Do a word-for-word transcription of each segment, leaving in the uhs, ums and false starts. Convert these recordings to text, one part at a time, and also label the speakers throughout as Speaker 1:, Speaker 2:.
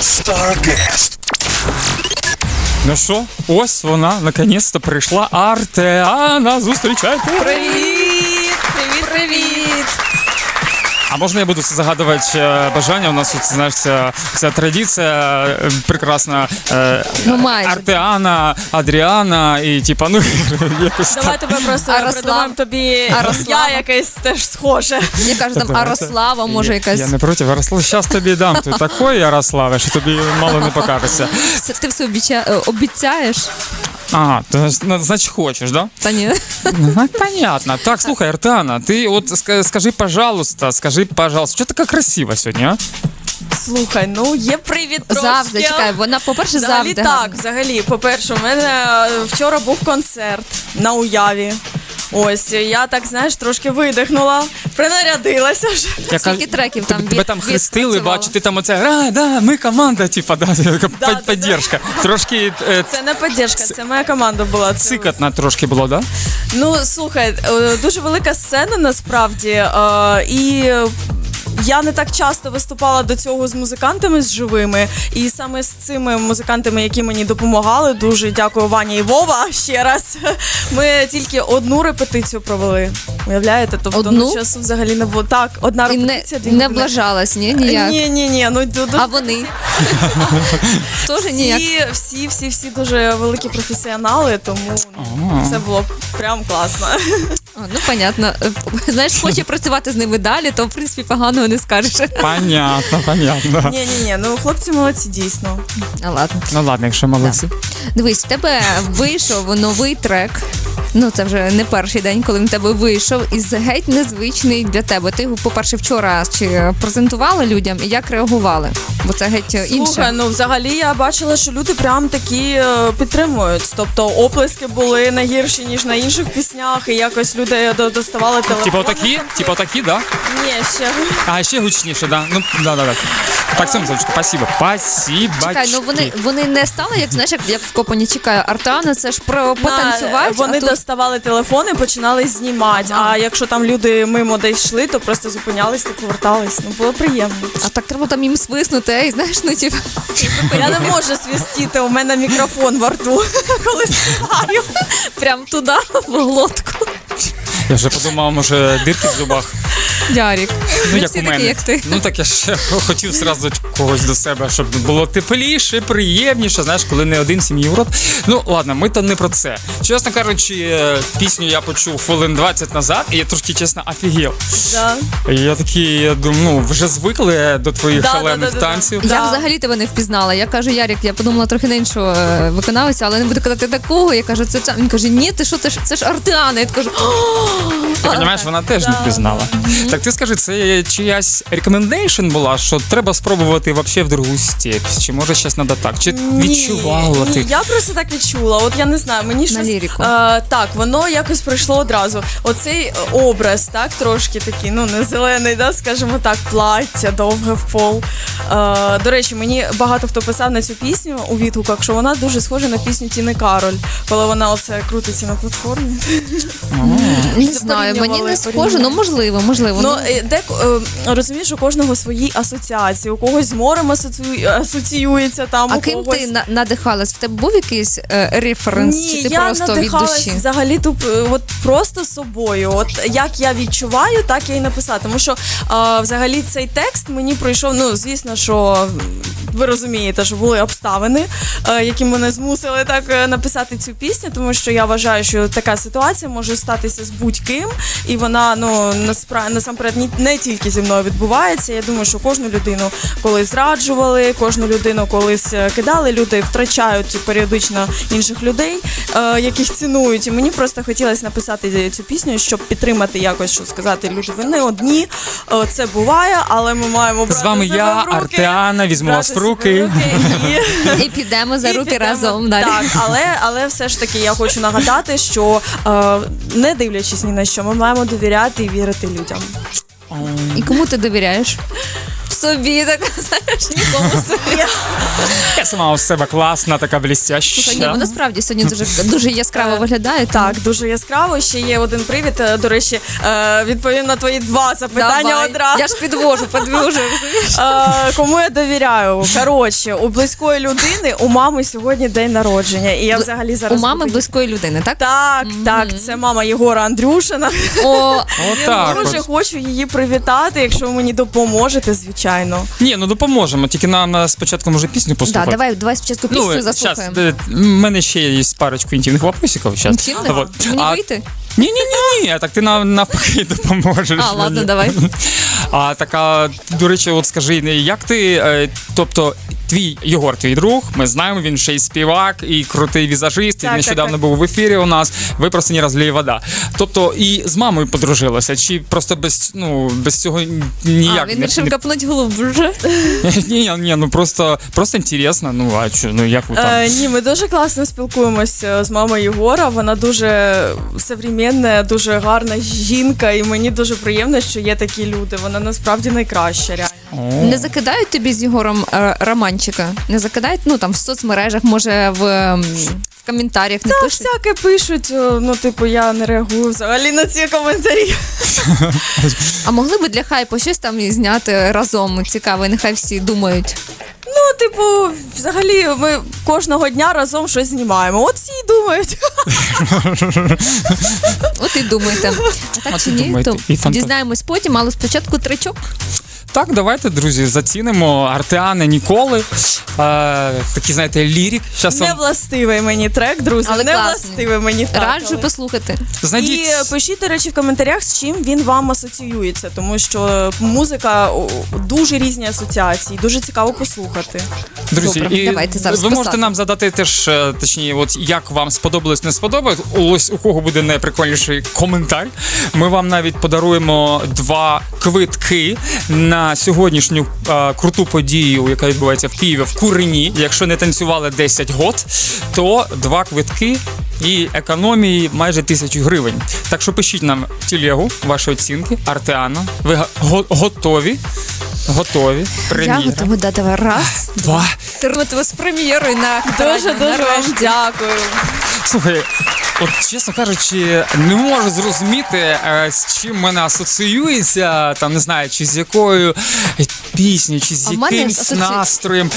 Speaker 1: Starcast.
Speaker 2: Ну що, ось вона, наконець-то прийшла. Артеана, зустрічайте!
Speaker 3: Привіт! Привіт, привіт!
Speaker 2: А можна я буду загадувати е, бажання? У нас тут, знаєш, ця, ця традиція е, прекрасна. Е,
Speaker 3: Ну, майже.
Speaker 2: Артеана, Адріана і типа, ну, якось
Speaker 3: Давай
Speaker 2: так.
Speaker 3: тебе просто
Speaker 4: Арослав.
Speaker 3: придумаємо тобі
Speaker 4: Арослава.
Speaker 3: я якесь теж схоже.
Speaker 4: Я кажу, там
Speaker 2: Давайте.
Speaker 4: Арослава, може
Speaker 2: Я-
Speaker 4: якась.
Speaker 2: Я не проти, Ярослав, зараз тобі дам. Ти такої, Ярославе, що тобі мало не покажеться.
Speaker 4: Це ти все обіця... е, обіцяєш?
Speaker 2: Ага, то, ну, значить хочеш, да?
Speaker 4: Та ні.
Speaker 2: Ну, понятно. Так, слухай, Артеана, ти от ска- скажи, пожалуйста, скажи, пожалуйста, що така красива сьогодні, а?
Speaker 3: Слухай, ну є привід трошки.
Speaker 4: Завжди, чекай, вона, по-перше,
Speaker 3: Взагалі
Speaker 4: завжди.
Speaker 3: так,
Speaker 4: гарна.
Speaker 3: взагалі, по-перше, у мене е, вчора був концерт на Уяві. Ось, я так, знаєш, трошки видихнула, принарядилася вже.
Speaker 2: Я
Speaker 4: Скільки
Speaker 2: кажу,
Speaker 4: треків там
Speaker 2: тебе
Speaker 4: від-
Speaker 2: там хрестили,
Speaker 4: відпрацювала?
Speaker 2: бачу, ти там оце, а, да, ми команда, типа, да, така
Speaker 3: да,
Speaker 2: под- поддержка. Трошки е,
Speaker 3: Це не підтримка, це моя команда була. Це
Speaker 2: цикатна трошки було, да?
Speaker 3: Ну, слухай, е, дуже велика сцена насправді, е, і я не так часто виступала до цього з музикантами з живими, і саме з цими музикантами, які мені допомагали, дуже дякую Ваня і Вова ще раз. Ми тільки одну репетицію провели. Уявляєте? Тобто
Speaker 4: Одну?
Speaker 3: ну, часу взагалі не було. Так, одна
Speaker 4: І не,
Speaker 3: репетиція. дві
Speaker 4: не
Speaker 3: години.
Speaker 4: облажалась, ні? Ніяк.
Speaker 3: Ні, ні, ні. Ну, ду- ду-
Speaker 4: А вони? Теж ніяк.
Speaker 3: всі, всі, всі, всі дуже великі професіонали, тому ну, це було прям класно.
Speaker 4: А, ну, понятно. Е, Знаєш, хоче працювати з ними далі, то, в принципі, поганого не скажеш.
Speaker 2: Понятно, понятно.
Speaker 3: Ні, ні, ні, ну хлопці молодці, дійсно.
Speaker 4: А, ладно.
Speaker 2: Ну ладно, якщо молодці.
Speaker 4: Дивись, в тебе вийшов новий трек. Ну, це вже не перший день, коли він в тебе вийшов, і геть незвичний для тебе. Ти його, по-перше, вчора чи презентувала людям, і як реагували? Бо це геть інше.
Speaker 3: Слухай, ну взагалі я бачила, що люди прям такі е, підтримують. Тобто оплески були не гірші, ніж на інших піснях, і якось люди до- доставали телефон.
Speaker 2: Типа отакі, типа отакі, да?
Speaker 3: Ні, ще.
Speaker 2: А, ще гучніше, да? Ну, да, да, да. Так, Семзочка, спасибо. Спасибо.
Speaker 4: Чекай, ну вони, вони не стали, як знаєш, як, як в Копані чекаю, Артана, це ж про потанцювати.
Speaker 3: Вони
Speaker 4: а тут...
Speaker 3: доставали телефони, починали знімати. А якщо там люди мимо десь йшли, то просто зупинялись та повертались. Ну було приємно.
Speaker 4: А так треба там їм свиснути, ей, знаєш, ну типу.
Speaker 3: Я не можу свистіти, у мене мікрофон во рту, коли співаю.
Speaker 4: Прям туди, в глотку.
Speaker 2: Я вже подумав, може, дирки в зубах.
Speaker 4: Ярік.
Speaker 2: Ну,
Speaker 4: Ми
Speaker 2: як
Speaker 4: всі
Speaker 2: у
Speaker 4: такі,
Speaker 2: мене.
Speaker 4: як ти.
Speaker 2: Ну, так я ще хотів зразу когось до себе, щоб було тепліше, приємніше, знаєш, коли не один сім'ї урод. Ну, ладно, ми то не про це. Чесно кажучи, е, пісню я почув хвилин двадцять назад, і я трошки, чесно, офігел.
Speaker 3: Да.
Speaker 2: І я такий, я думаю, ну, вже звикли до твоїх
Speaker 3: Да,
Speaker 2: шалених
Speaker 3: да, да, да, да.
Speaker 2: танців.
Speaker 3: Да.
Speaker 4: Я взагалі тебе не впізнала. Я кажу, Ярік, я подумала трохи на іншого е, виконавця, але не буду казати такого. Я кажу, це Він каже, ні, ти що, це ж, це ж Артеана. Я кажу,
Speaker 2: Ти розумієш, вона теж не впізнала. Так ти скажи, це чиясь рекомендейшн була, що треба спробувати вообще в другу степь? Чи може щось треба так? Чи відчувала
Speaker 3: ні,
Speaker 2: ти?
Speaker 3: Ні, я просто так відчула. От я не знаю, мені щось...
Speaker 4: лірику.
Speaker 3: Е, так, воно якось прийшло одразу. Оцей образ, так, трошки такий, ну, не зелений, да, скажімо так, плаття, довге в пол. Е, до речі, мені багато хто писав на цю пісню у відгуках, що вона дуже схожа на пісню Тіни Кароль, коли вона оце крутиться на платформі.
Speaker 4: не знаю, мені не
Speaker 3: порівнювали,
Speaker 4: схоже, ну можливо, можливо.
Speaker 3: Ну,
Speaker 4: Ну,
Speaker 3: е, де, е, розумієш, у кожного свої асоціації, у когось з морем асоціює, асоціюється там,
Speaker 4: а
Speaker 3: у
Speaker 4: ким
Speaker 3: когось...
Speaker 4: ти на- надихалась? В тебе був якийсь е, референс,
Speaker 3: Ні,
Speaker 4: чи ти
Speaker 3: я
Speaker 4: просто від
Speaker 3: надихалась
Speaker 4: душі?
Speaker 3: взагалі туп, от просто собою. От як я відчуваю, так я і написала. Тому що е, взагалі цей текст мені пройшов. Ну звісно, що ви розумієте, що були обставини, е, які мене змусили так е, написати цю пісню, тому що я вважаю, що така ситуація може статися з будь-ким, і вона ну наспра... насамперед ні- не тільки зі мною відбувається. Я думаю, що кожну людину колись зраджували, кожну людину колись е, кидали. Люди втрачають періодично інших людей, е, яких цінують. І мені просто хотілося написати цю пісню, щоб підтримати якось, що сказати, люди, ви не одні, е, це буває, але ми маємо брати
Speaker 2: З вами
Speaker 3: себе
Speaker 2: я,
Speaker 3: в руки,
Speaker 2: Артеана, візьму
Speaker 3: брати
Speaker 2: вас в
Speaker 3: себе
Speaker 2: руки.
Speaker 3: і...
Speaker 4: І підемо за
Speaker 3: І
Speaker 4: руки
Speaker 3: підемо.
Speaker 4: разом далі.
Speaker 3: Так, але, але все ж таки я хочу нагадати, що е, не дивлячись ні на що, ми маємо довіряти і вірити людям.
Speaker 4: І кому ти довіряєш? Собі, так знаєш, нікому собі.
Speaker 2: Я сама у себе класна, така блістяща.
Speaker 4: Слухай, ні, вона справді сьогодні дуже, дуже яскраво виглядає. тому-
Speaker 3: Так, дуже яскраво. Ще є один привід. е, До речі, е, відповім на твої два запитання
Speaker 4: Давай.
Speaker 3: одразу.
Speaker 4: Я ж підвожу, підвожу, розумієш?
Speaker 3: Е, Кому я довіряю? Коротше, у близької людини у мами сьогодні день народження. І я взагалі
Speaker 4: У
Speaker 3: зараз
Speaker 4: мами
Speaker 3: буду-
Speaker 4: близької людини, так?
Speaker 3: Так, так, це мама Єгора Андрюшина.
Speaker 4: О,
Speaker 2: Отак
Speaker 3: Дуже
Speaker 2: от.
Speaker 3: хочу її привітати, якщо ви мені допоможете, звичайно.
Speaker 2: Ні, ну допоможемо, тільки нам е, спочатку може пісню
Speaker 4: да,
Speaker 2: послухати.
Speaker 4: давай, давай спочатку пісню
Speaker 2: Ну,
Speaker 4: заслухаємо.
Speaker 2: зараз, в мене ще є парочку інтимних вопросиків. Щас.
Speaker 4: Інтимних?
Speaker 2: Вот.
Speaker 4: Мені
Speaker 2: А-
Speaker 4: вийти?
Speaker 2: Ні, ні, ні, ні, так ти нам навпаки допоможеш.
Speaker 4: А, ладно,
Speaker 2: мені.
Speaker 4: давай.
Speaker 2: А така, до речі, от скажи, як ти, е, тобто, твій Єгор, твій друг, ми знаємо, він ще й співак, і крутий візажист, і
Speaker 3: Так,
Speaker 2: нещодавно
Speaker 3: так, так.
Speaker 2: був в ефірі у нас. Ви просто не розлій вода. Тобто, і з мамою подружилася, чи просто без, ну, без цього ніяк
Speaker 4: А, він
Speaker 2: не-
Speaker 4: вирішив
Speaker 2: не-
Speaker 4: капнуть глибше.
Speaker 2: Ні, ні, ну просто, просто інтересно, ну а що, ну як ви там?
Speaker 3: Е, ні, ми дуже класно спілкуємося з мамою Єгора. Вона дуже современна, дуже гарна жінка, і мені дуже приємно, що є такі люди. Вона насправді найкраща, реально.
Speaker 2: О.
Speaker 4: Не закидають тобі з Єгором е, романчика? Не закидають? Ну там в соцмережах, може в, ем, в коментарях не
Speaker 3: Та
Speaker 4: пишуть?
Speaker 3: всяке пишуть, е, ну типу, я не реагую взагалі на ці коментарі.
Speaker 4: А могли би для хайпу щось там і зняти разом цікаве, нехай всі думають.
Speaker 3: Ну, типу, взагалі, ми кожного дня разом щось знімаємо. От всі й думають.
Speaker 4: От і думайте. А так
Speaker 2: От
Speaker 4: чи
Speaker 2: і
Speaker 4: ні,
Speaker 2: думайте.
Speaker 4: то
Speaker 2: І фанта-
Speaker 4: дізнаємось потім, але спочатку тричок.
Speaker 2: Так, давайте, друзі, зацінимо Артеани Ніколи. Е, такий, знаєте, лірик. Щас
Speaker 3: Не
Speaker 2: вам
Speaker 3: властивий мені трек, друзі.
Speaker 4: Але
Speaker 3: не
Speaker 4: класний.
Speaker 3: властивий мені так.
Speaker 4: Раджу
Speaker 3: але-
Speaker 4: послухати.
Speaker 2: знайдіть.
Speaker 3: І е, пишіть, до речі, в коментарях, з чим він вам асоціюється, тому що музика о, дуже різні асоціації, дуже цікаво послухати.
Speaker 2: Друзі,
Speaker 4: Добре,
Speaker 2: і
Speaker 4: давайте зараз
Speaker 2: ви можете
Speaker 4: писати.
Speaker 2: нам задати теж, е, точніше, от як вам сподобалось, не сподобалось. Ось у кого буде найприкольніший коментар. Ми вам навіть подаруємо два квитки на сьогоднішню е, круту подію, яка відбувається в Києві в Курині. Якщо не танцювали десять год, то два квитки і економії майже тисячу гривень. Так що пишіть нам в телегу ваші оцінки. Артеана. Ви га- го- готові? Готові.
Speaker 4: Я
Speaker 2: Прем'єра.
Speaker 3: Ну,
Speaker 4: готова дати раз.
Speaker 2: Два.
Speaker 4: Тернути з прем'єрою на
Speaker 3: Дуже дуже вам дякую.
Speaker 2: Слухай, от чесно кажучи, не можу зрозуміти, е, з чим мене асоціюється, там не знаю, чи з якою піснею, чи з
Speaker 4: А в мене
Speaker 2: якимсь
Speaker 4: асоці-
Speaker 2: настроєм.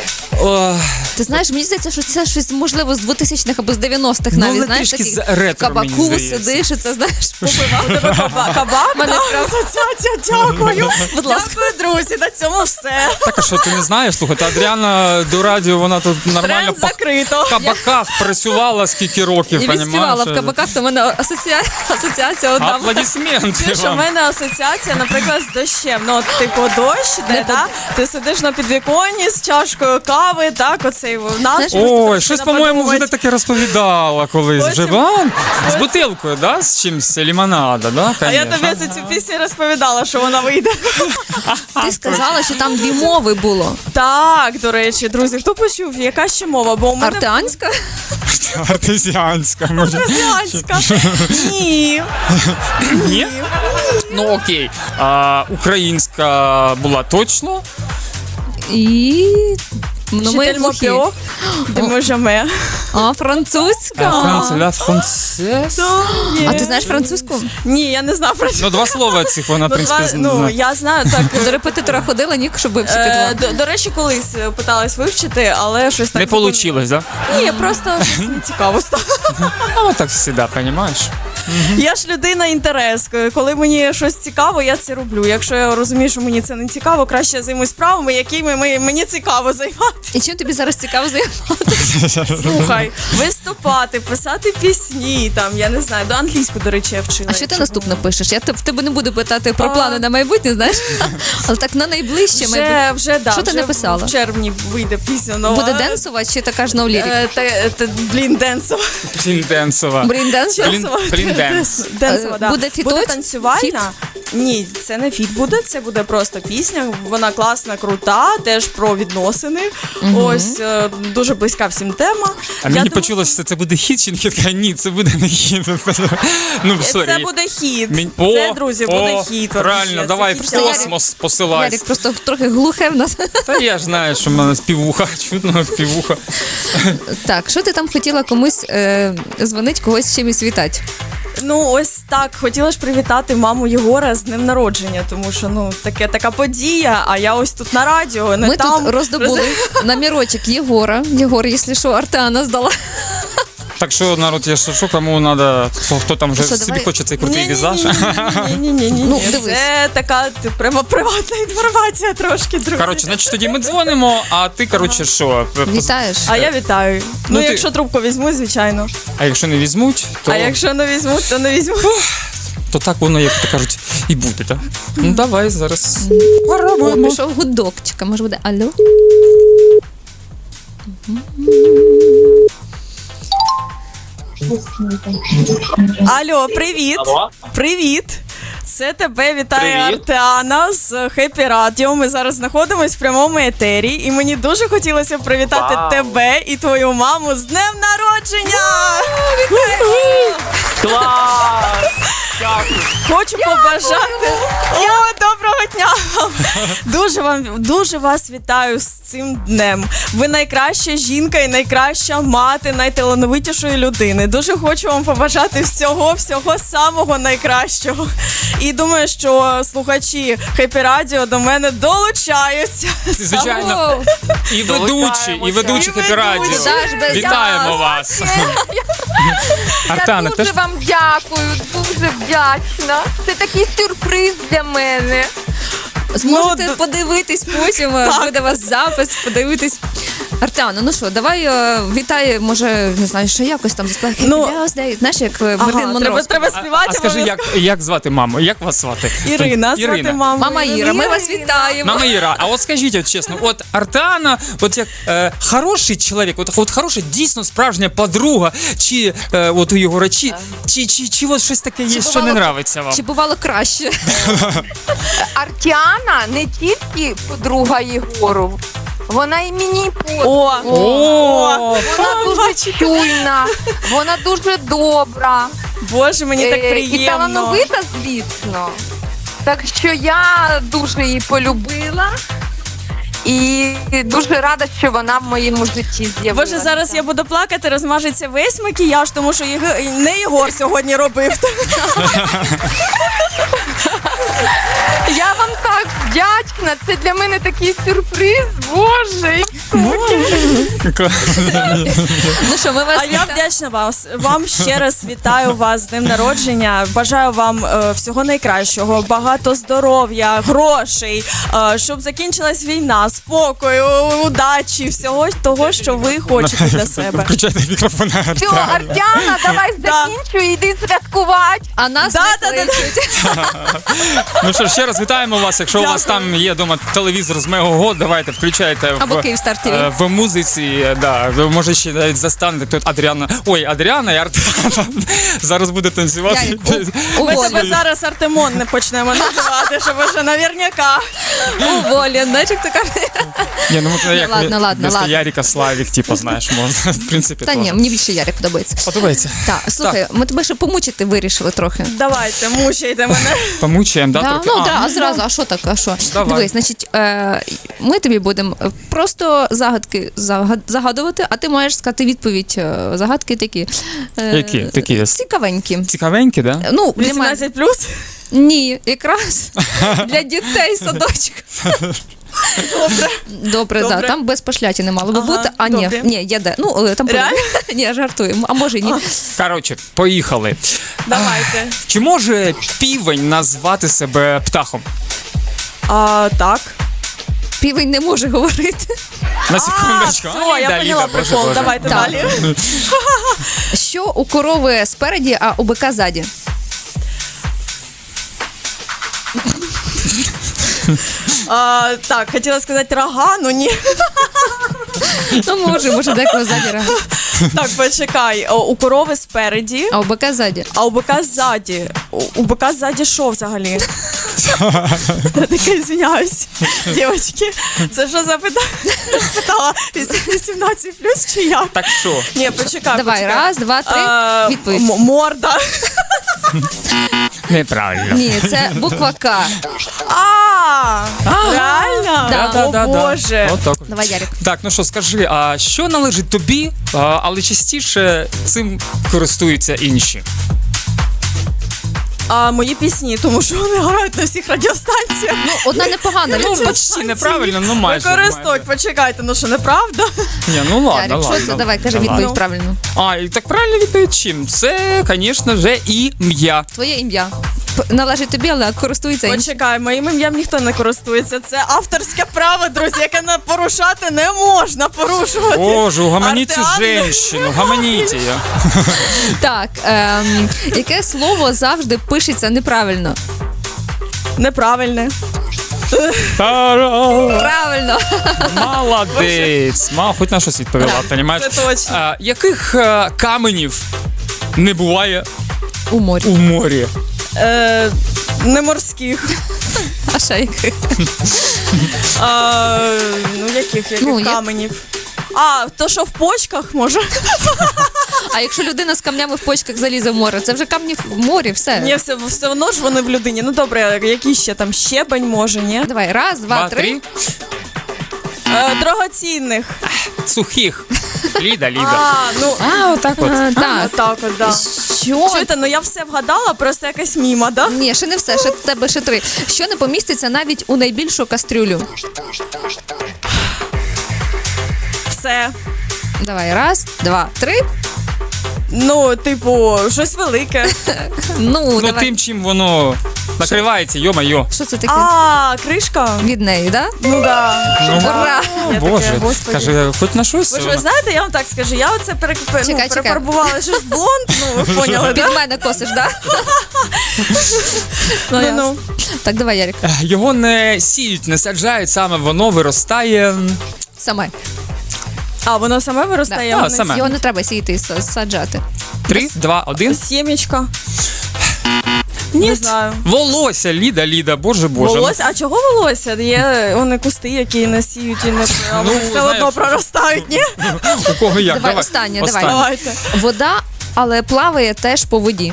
Speaker 2: О,
Speaker 4: Ти знаєш, мені здається, що це щось можливо з двохтисячних або з дев'яностих
Speaker 2: Ну,
Speaker 4: навіть,
Speaker 2: але
Speaker 4: знаєш,
Speaker 2: трішки
Speaker 4: такий
Speaker 2: з ретро,
Speaker 4: в кабаку
Speaker 2: мені здається.
Speaker 4: сидиш, і це знаєш, попивав.
Speaker 3: Каба- Кабак,
Speaker 4: Мене
Speaker 3: да?
Speaker 4: прям-
Speaker 3: асоціація, дякую.
Speaker 4: Будь ласка.
Speaker 3: Дякую, друзі, на цьому все.
Speaker 2: так, а що ти не знаєш? Слухай, та Адріана до радіо, вона тут нормально
Speaker 3: Тренд
Speaker 2: по
Speaker 3: закрито.
Speaker 2: кабаках працювала скільки років,
Speaker 4: І
Speaker 2: понімаєш?
Speaker 4: відспівала в кабаках, то в мене асоціація, асоціація одна.
Speaker 2: Аплодисменти
Speaker 3: Чуєш, у
Speaker 2: вам.
Speaker 3: мене асоціація, наприклад, з дощем. Ну, от, типу, дощ, де, да? Ти сидиш на підвіконні з чашкою кави, так, оцей нас.
Speaker 2: Ой, щось, по-моєму, вже ти таке розповідала колись. Вже,
Speaker 3: Потім-
Speaker 2: а? З бутилкою, да? З чимсь лімонада, да?
Speaker 3: А я
Speaker 2: Конечно.
Speaker 3: тобі цю пісню розповідала, що вона вийде.
Speaker 4: Ти сказала, що там дві мови було.
Speaker 3: Так, до речі, друзі, хто почув, яка ще мова? Бо у мене
Speaker 4: Артеанська?
Speaker 2: Артезіанська, може.
Speaker 3: Артезіанська. Ні.
Speaker 2: Ні? Ну окей. А, українська була точно.
Speaker 4: І... Ну, ми
Speaker 3: Житель
Speaker 4: глухі.
Speaker 3: Мопіо, де ми жаме.
Speaker 4: А, французька.
Speaker 2: Франц, ля францез.
Speaker 4: А ти знаєш французьку?
Speaker 3: Ні, я не знаю про це.
Speaker 2: Ну, два слова цих вона, в
Speaker 3: Ну,
Speaker 2: принципі,
Speaker 3: два- ну,
Speaker 2: знає.
Speaker 3: я знаю, так.
Speaker 4: До репетитора ходила, ні, щоб вивчити
Speaker 3: Е,
Speaker 4: два.
Speaker 3: до, до речі, колись е, питалась вивчити, але щось так
Speaker 2: Не вийшло, да?
Speaker 3: Ні, просто щось не цікаво стало.
Speaker 2: Ну, так завжди, розумієш?
Speaker 3: Я ж людина інтерес. Коли мені щось цікаво, я це роблю. Якщо я розумію, що мені це не цікаво, краще я займусь справами, якими ми- мені цікаво займатися.
Speaker 4: І чим тобі зараз цікаво займатися?
Speaker 3: Слухай, виступати, писати пісні, там, я не знаю, до англійську, до речі, я вчила.
Speaker 4: А що ти
Speaker 3: якщо
Speaker 4: наступно пишеш? Я те- в тебе не буду питати про
Speaker 3: А.
Speaker 4: плани на майбутнє, знаєш? Але так на найближче майбутнє.
Speaker 3: Вже, вже, да,
Speaker 4: Що ти
Speaker 3: вже
Speaker 4: написала?
Speaker 3: В червні вийде пісня нова.
Speaker 4: Буде денсова чи така ж ноулірік?
Speaker 3: Е, та- та- Блін, денсова.
Speaker 2: Блін, денсова.
Speaker 4: Блін, денсова?
Speaker 2: Блін, блін, денс.
Speaker 3: Денсова,
Speaker 4: Е,
Speaker 3: да.
Speaker 4: буде фіточ?
Speaker 3: Буде танцювальна. Ні, це не фіт буде, це буде просто пісня. Вона класна, крута, теж про відносини. Ось е, дуже близька всім тема.
Speaker 2: А
Speaker 3: Я
Speaker 2: мені
Speaker 3: думаю,
Speaker 2: почулося, що це буде хіт, чи не хіт? Ні, це буде не хіт. Ну, сорі.
Speaker 3: Це буде хіт.
Speaker 2: Мін-
Speaker 3: Це,
Speaker 2: О,
Speaker 3: друзі, буде
Speaker 2: о,
Speaker 3: хіт.
Speaker 2: Правильно,
Speaker 3: вообще.
Speaker 2: давай
Speaker 3: Це
Speaker 2: в
Speaker 3: хіт.
Speaker 2: космос посилайся.
Speaker 4: Ярик просто трохи глухе в нас.
Speaker 2: Та я ж знаю, що в мене співуха, чутно співуха.
Speaker 4: Так, що ти там хотіла комусь е, дзвонить, когось чимось вітати?
Speaker 3: Ну, ось так. Хотіла ж привітати маму Єгора з днем народження, тому що ну таке така подія, а я ось тут на радіо, не
Speaker 4: Ми
Speaker 3: там.
Speaker 4: тут роздобули номерочок Єгора. Єгор, якщо що, Артеана здала.
Speaker 2: Так що, народ, я що, кому треба, хто там вже
Speaker 4: Що,
Speaker 2: собі
Speaker 4: давай?
Speaker 2: хоче цей крутий візаж.
Speaker 3: Ні-ні-ні.
Speaker 4: Ну, дивись.
Speaker 3: Це така ти, прямо приватна інформація трошки, друзі.
Speaker 2: Коротше, значить, тоді ми дзвонимо, а ти, коротше, що?
Speaker 4: Вітаєш?
Speaker 3: А я вітаю. Ну,
Speaker 2: Ну, ти-
Speaker 3: якщо трубку візьму, звичайно.
Speaker 2: А якщо не візьмуть, то,
Speaker 3: А якщо не візьму, то не візьму.
Speaker 2: то так воно, як то кажуть, і буде, так? Ну, давай зараз.
Speaker 4: О,
Speaker 2: Попробуємо.
Speaker 4: пішов гудок. Чекай, може буде алло?
Speaker 3: Алло, привіт.
Speaker 1: Алло.
Speaker 3: Привіт. Це тебе вітає
Speaker 1: Привіт.
Speaker 3: Артеана з Хеппі Радіо. Ми зараз знаходимося в прямому етері, і мені дуже хотілося привітати
Speaker 1: Вау.
Speaker 3: тебе і твою маму з днем народження!
Speaker 1: Клас! Дякую.
Speaker 3: Хочу побажати. О, доброго дня! вам! Дуже вам дуже вас вітаю з цим днем. Ви найкраща жінка і найкраща мати найталановитішої людини. Дуже хочу вам побажати всього, всього самого найкращого. І думаю, що слухачі Хеппі Радіо до мене долучаються.
Speaker 2: Звичайно. І ведучі, і ведучі
Speaker 3: І
Speaker 2: Хеппі Радіо.
Speaker 3: ведучі.
Speaker 4: Даш без
Speaker 2: Вітаємо
Speaker 4: нас.
Speaker 2: вас.
Speaker 5: Я
Speaker 2: Артана,
Speaker 5: дуже
Speaker 2: теж
Speaker 5: вам дякую, дуже вдячна. Це такий сюрприз для мене.
Speaker 4: Зможете
Speaker 3: Ну,
Speaker 4: подивитись потім, е, буде у вас запис, подивитись. Артеана, ну що, давай е, вітай, може, не знаю, що якось там заспівай.
Speaker 3: Ну,
Speaker 4: Happy birthday. Знаєш, як е,
Speaker 3: Ага,
Speaker 4: Мартин Монро.
Speaker 3: треба, треба
Speaker 2: А,
Speaker 3: співати.
Speaker 2: а скажи, як,
Speaker 3: обов'язково.
Speaker 2: як звати маму? Як вас звати?
Speaker 3: Ірина, звати маму.
Speaker 4: Мама Іра, ми вас вітаємо.
Speaker 2: Мама Іра, а от скажіть, от чесно, от Артана, от як е, хороший чоловік, от, от хороша, дійсно справжня подруга, чи е, от у його речі, чи, чи, чи от щось таке є,
Speaker 4: Чи
Speaker 2: що не
Speaker 4: бувало-
Speaker 2: нравиться вам?
Speaker 4: Чи бувало краще?
Speaker 5: Артіана не тільки подруга Єгору, вона і мені подруга.
Speaker 3: О,
Speaker 2: О,
Speaker 5: Вона дуже чуйна, вона дуже добра.
Speaker 3: Боже, мені так
Speaker 5: Е, І
Speaker 3: приємно.
Speaker 5: талановита, звісно. Так що я дуже її полюбила. І дуже рада, що вона в моєму житті з'явилася.
Speaker 3: Боже, зараз я буду плакати, розмажеться весь макіяж, тому що Єг- не Єгор сьогодні робив.
Speaker 5: Я вам так вдячна. Це для мене такий сюрприз. Боже.
Speaker 4: Ну що, ми вас
Speaker 3: А я
Speaker 4: вітаємо.
Speaker 3: вдячна вас. Вам ще раз вітаю вас з днем народження. Бажаю вам е, всього найкращого, багато здоров'я, грошей, е, щоб закінчилась війна, спокою, удачі, всього того, що ви хочете для себе.
Speaker 2: Включайте мікрофон на
Speaker 5: Все,
Speaker 2: Артану.
Speaker 5: Артяна, давай
Speaker 3: Да.
Speaker 5: закінчуй, іди святкувати.
Speaker 4: А нас
Speaker 3: Да,
Speaker 4: не
Speaker 3: да, да, да.
Speaker 4: кличуть.
Speaker 2: Ну що, ще раз вітаємо вас. Якщо у вас там є вдома телевізор з Мегого, давайте включайте в,
Speaker 4: Або Київстар ТВ.
Speaker 2: е, в музиці. Да, ви може ще навіть застанете тут Адріана. Ой, Адріана і Артана зараз буде танцювати.
Speaker 4: Ярик, у-
Speaker 3: Ми
Speaker 4: уволен.
Speaker 3: тебе зараз Артемон не почнемо називати, щоб вже наверняка.
Speaker 4: Уволен, знаєш, як це каже?
Speaker 2: Ні, ну от як
Speaker 4: ладно, ладно,
Speaker 2: вместо
Speaker 4: ладно.
Speaker 2: Ярика Славік, типу, знаєш, можна, в принципі,
Speaker 4: Та ні,
Speaker 2: теж.
Speaker 4: мені більше Ярик подобається.
Speaker 2: Подобається.
Speaker 4: Так, слухай, ми тебе ще помучити вирішили трохи.
Speaker 3: Давайте, мучайте мене.
Speaker 2: Помучаємо, да?
Speaker 4: Да,
Speaker 2: трохи?
Speaker 4: ну
Speaker 2: А,
Speaker 4: да, а зразу, а що так, а що?
Speaker 2: Давай.
Speaker 4: Дивись, значить, е, ми тобі будемо просто загадки загад- загадувати, а ти маєш сказати відповідь. е, Загадки такі. е,
Speaker 2: Які? Такі?
Speaker 4: Цікавенькі.
Speaker 2: Цікавенькі, да?
Speaker 4: Ну, для мене.
Speaker 3: вісімнадцять плюс?
Speaker 4: Ні, якраз для дітей садочок. Добре. Добре,
Speaker 3: Добре.
Speaker 4: да, там без пошляті не мало би
Speaker 3: Ага,
Speaker 4: бути. А ні,
Speaker 3: добре.
Speaker 4: ні, є де. Ну, е, там
Speaker 3: Реально?
Speaker 4: ні, я жартую. А може і ні.
Speaker 2: Коротше, поїхали.
Speaker 3: Давайте.
Speaker 2: Чи може півень назвати себе птахом?
Speaker 3: А, так.
Speaker 4: Півень не може говорити.
Speaker 2: На
Speaker 3: А,
Speaker 2: секундочку.
Speaker 3: все,
Speaker 2: Ай,
Speaker 3: я
Speaker 2: да,
Speaker 3: поняла
Speaker 2: Ліда, боже,
Speaker 3: прикол.
Speaker 2: боже.
Speaker 3: Давайте
Speaker 4: Так.
Speaker 3: далі.
Speaker 4: Що у корови спереді, а у бика ззаді?
Speaker 3: А, так, хотіла сказати рога, ну ні.
Speaker 4: Ну, може, може, деколи ззаді реагує.
Speaker 3: Так, почекай. О, у корови спереді,
Speaker 4: А у бика ззаді.
Speaker 3: а у бика ззаді. У, у бика ззаді що взагалі? Я таке звиняюсь. Дівчатки, це що за питання? Питала вісімнадцять плюс чи як?
Speaker 2: Так що?
Speaker 3: Ні, почекай,
Speaker 4: Давай,
Speaker 3: почекай.
Speaker 4: раз, два, три.
Speaker 3: А,
Speaker 4: Відповідь.
Speaker 3: м- Морда.
Speaker 2: Неправильно.
Speaker 4: Ні, це буква К.
Speaker 3: А, реально?
Speaker 4: Да.
Speaker 3: О, Боже.
Speaker 2: Отак.
Speaker 4: Давай, Ярик.
Speaker 2: Так, ну що, скажи, а що належить тобі, а, але частіше цим користуються інші?
Speaker 3: А мої пісні, тому що вони грають на всіх радіостанціях.
Speaker 4: Ну, одна непогана.
Speaker 2: Ну,
Speaker 4: відповідь.
Speaker 2: почти неправильно, ну майже.
Speaker 3: Використовують, почекайте, ну що, неправда?
Speaker 2: Ні, ну ладно,
Speaker 4: Ярик,
Speaker 2: ладно.
Speaker 4: що це? Давай, кажи
Speaker 2: Давай.
Speaker 4: відповідь правильно.
Speaker 2: А, і так правильно відповідь чим? Це, звісно же, ім'я.
Speaker 4: Твоє ім'я. П- Належить тобі, але користується іншим.
Speaker 3: Почекай, моїм ім'ям ніхто не користується. Це авторське право, друзі, яке не порушати не можна порушувати.
Speaker 2: Боже, угомоните
Speaker 3: Артеан-
Speaker 2: женщину, гомоните її.
Speaker 4: Так, ем, яке слово завжди пишеться неправильно?
Speaker 3: Неправильне.
Speaker 2: Та-ра!
Speaker 4: Правильно.
Speaker 2: Молодець. Мав хоч на щось відповіла, понімаєш?
Speaker 3: Це точно.
Speaker 2: А, яких е, каменів не буває
Speaker 4: У морі.
Speaker 2: у морі?
Speaker 3: Е, не морських.
Speaker 4: А ще яких?
Speaker 3: А, ну, яких, яких
Speaker 4: Ну, як-
Speaker 3: каменів? А, то, що в почках, може?
Speaker 4: А якщо людина з камнями в почках залізе в море, це вже камні в морі, все.
Speaker 3: Ні, все, все одно ж вони в людині. Ну, добре, які ще там щебень, може, ні?
Speaker 4: Давай, раз, два,
Speaker 2: Два,
Speaker 4: три.
Speaker 2: три.
Speaker 3: Е, драгоцінних.
Speaker 2: Сухих. Ліда, Ліда.
Speaker 3: А, ну,
Speaker 2: А, отак от.
Speaker 4: А, так.
Speaker 3: отак от, да.
Speaker 4: Що?
Speaker 3: Чуєте, ну я все вгадала, просто якась міма, да?
Speaker 4: Ні, ще не все, ще в тебе ще три. Що не поміститься навіть у найбільшу кастрюлю?
Speaker 3: Все.
Speaker 4: Давай, раз, два, три.
Speaker 3: Ну, типу, щось велике.
Speaker 4: Ну,
Speaker 2: Ну,
Speaker 4: давай.
Speaker 2: тим, чим воно накривається, йо-майо.
Speaker 4: Що це таке?
Speaker 3: А, кришка?
Speaker 4: Від неї, да?
Speaker 3: Ну да.
Speaker 2: Ну,
Speaker 4: Ура!
Speaker 2: о,
Speaker 3: Я
Speaker 2: Боже,
Speaker 3: таке, господи.
Speaker 2: каже, хоч на щось.
Speaker 3: Ви ж ви
Speaker 2: вона-
Speaker 3: знаєте, я вам так скажу, я оце пере... ну,
Speaker 4: Чекай, чекай.
Speaker 3: перефарбувала щось в блонд, ну ви поняли,
Speaker 4: Під
Speaker 3: да?
Speaker 4: мене косиш, да?
Speaker 3: Ну,
Speaker 4: ясно.
Speaker 3: ну.
Speaker 4: Так, давай, Ярик.
Speaker 2: Е, Його не сіють, не саджають, саме воно виростає. м,
Speaker 4: Саме.
Speaker 3: А, воно саме виростає?
Speaker 2: Да.
Speaker 3: воно
Speaker 2: А,
Speaker 3: не
Speaker 2: саме.
Speaker 4: Його не треба сіяти і са- саджати.
Speaker 2: Три, два, один.
Speaker 3: Сімечка.
Speaker 2: Ні.
Speaker 3: Не знаю.
Speaker 2: Волосся, Ліда, Ліда, боже, боже.
Speaker 3: Волосся? А чого волосся? Є вони кусти, які не сіють і не а
Speaker 2: Ну,
Speaker 3: вони все
Speaker 2: знаєш.
Speaker 3: одно проростають, ні?
Speaker 2: У кого як?
Speaker 4: Давай, останнє, давай.
Speaker 3: Давайте.
Speaker 4: Вода, але плаває теж по воді.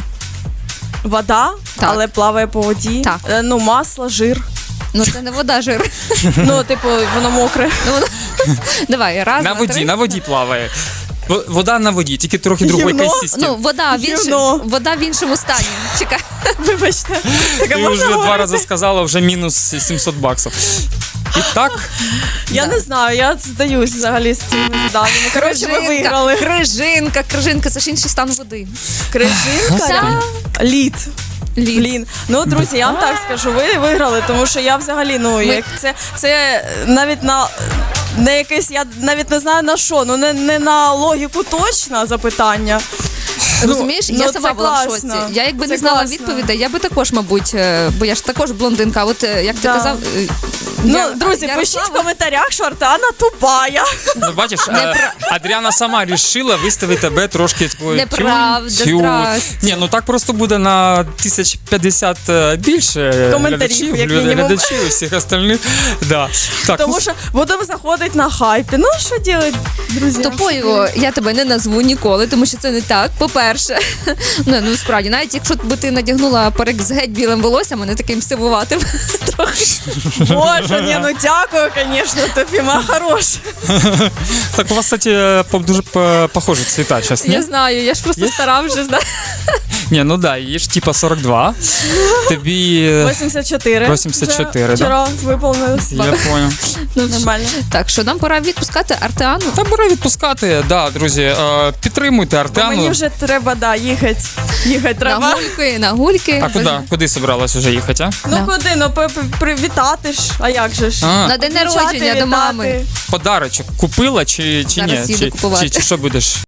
Speaker 3: Вода,
Speaker 4: Так.
Speaker 3: але плаває по воді.
Speaker 4: Так.
Speaker 3: Е, Ну, масло, жир.
Speaker 4: Ну, це не вода, жир.
Speaker 3: Ну, типу, воно мокре.
Speaker 4: Ну, воно- Давай, раз,
Speaker 2: На
Speaker 4: два,
Speaker 2: воді,
Speaker 4: три.
Speaker 2: на воді плаває. В- Вода на воді, тільки трохи другої
Speaker 3: Гівно?
Speaker 2: консистенції.
Speaker 4: Ну, вода в, іншому,
Speaker 3: Гівно.
Speaker 4: вода в іншому стані. Чекай.
Speaker 3: Вибачте. Таке
Speaker 2: Ти
Speaker 3: можна
Speaker 2: вже два
Speaker 3: говорити?
Speaker 2: рази сказала, вже мінус сімсот баксів. І так,
Speaker 3: Я
Speaker 4: Да.
Speaker 3: не знаю, я здаюсь взагалі з цими заданнями. Коротше, ви виграли.
Speaker 4: Крижинка, крижинка, це ж інший стан води.
Speaker 3: Крижинка,
Speaker 4: Так.
Speaker 3: лід.
Speaker 4: Лід.
Speaker 3: Блін, ну друзі, я вам так скажу, ви виграли, тому що я взагалі, ну як це, це навіть на не якесь, я навіть не знаю на що, ну не, не на логіку точно запитання.
Speaker 4: Розумієш,
Speaker 3: ну,
Speaker 4: я
Speaker 3: це
Speaker 4: сама була в шоці.
Speaker 3: класно.
Speaker 4: Я якби
Speaker 3: Це
Speaker 4: не знала
Speaker 3: класно.
Speaker 4: відповідей, я би також, мабуть, е, бо я ж також блондинка. От е, як ти
Speaker 3: Да.
Speaker 4: казав, е,
Speaker 3: Ну,
Speaker 4: я-
Speaker 3: друзі,
Speaker 4: я
Speaker 3: пишіть в
Speaker 4: Ярослава-
Speaker 3: коментарях, що Артана тупая.
Speaker 2: ну, бачиш, е, Адріана сама рішила виставити тебе трошки такою.
Speaker 4: Неправда,
Speaker 2: тю-тю.
Speaker 4: здрасте.
Speaker 2: Ні, ну так просто буде на тисяч п'ятдесят е, більше
Speaker 3: Коментарів,
Speaker 2: глядачів,
Speaker 3: як
Speaker 2: глядачів,
Speaker 3: мінімум.
Speaker 2: глядачів і всіх остальних. Да. Так,
Speaker 3: Тому
Speaker 2: ну,
Speaker 3: що будемо заходити на хайпі. Ну, що робити, друзі?
Speaker 4: Тупою я тебе не назву ніколи, тому що це не так. По-перше, ну, ну справді, навіть якщо б ти надягнула парик з геть білим волоссям, а не таким сивуватим. Трохи.
Speaker 3: Боже, ні, ну дякую, звісно, тобі, ма хороша.
Speaker 2: так у вас, кстати, по- дуже по- похожі цвіта зараз, ні?
Speaker 4: Я знаю, я ж просто стара вже знаю.
Speaker 2: Ні, ну да, їй ж типа сорок два. Тобі... е,
Speaker 3: вісімдесят чотири.
Speaker 2: вісімдесят чотири,
Speaker 3: Вже
Speaker 2: да.
Speaker 3: Вчора виповнилось.
Speaker 2: Я понял.
Speaker 4: Ну,
Speaker 3: Нормально.
Speaker 4: Так, що нам пора відпускати Артеану.
Speaker 2: Та пора відпускати, да, друзі. Е, підтримуйте Артеану.
Speaker 3: Мені вже треба, да, їхати. Їхати
Speaker 4: На
Speaker 3: треба.
Speaker 4: гульки, на гульки.
Speaker 2: А куди? Куди собралась вже їхати, а?
Speaker 3: Ну
Speaker 4: Да.
Speaker 3: куди? Ну п- п- привітати ж. А як же ж?
Speaker 2: А,
Speaker 4: На день
Speaker 3: Включати,
Speaker 4: народження до
Speaker 3: вітати.
Speaker 4: мами.
Speaker 2: подарочок купила чи, чи
Speaker 4: Зараз
Speaker 2: ні?
Speaker 4: їду
Speaker 2: Чи,
Speaker 4: купувати.
Speaker 2: чи, чи що будеш?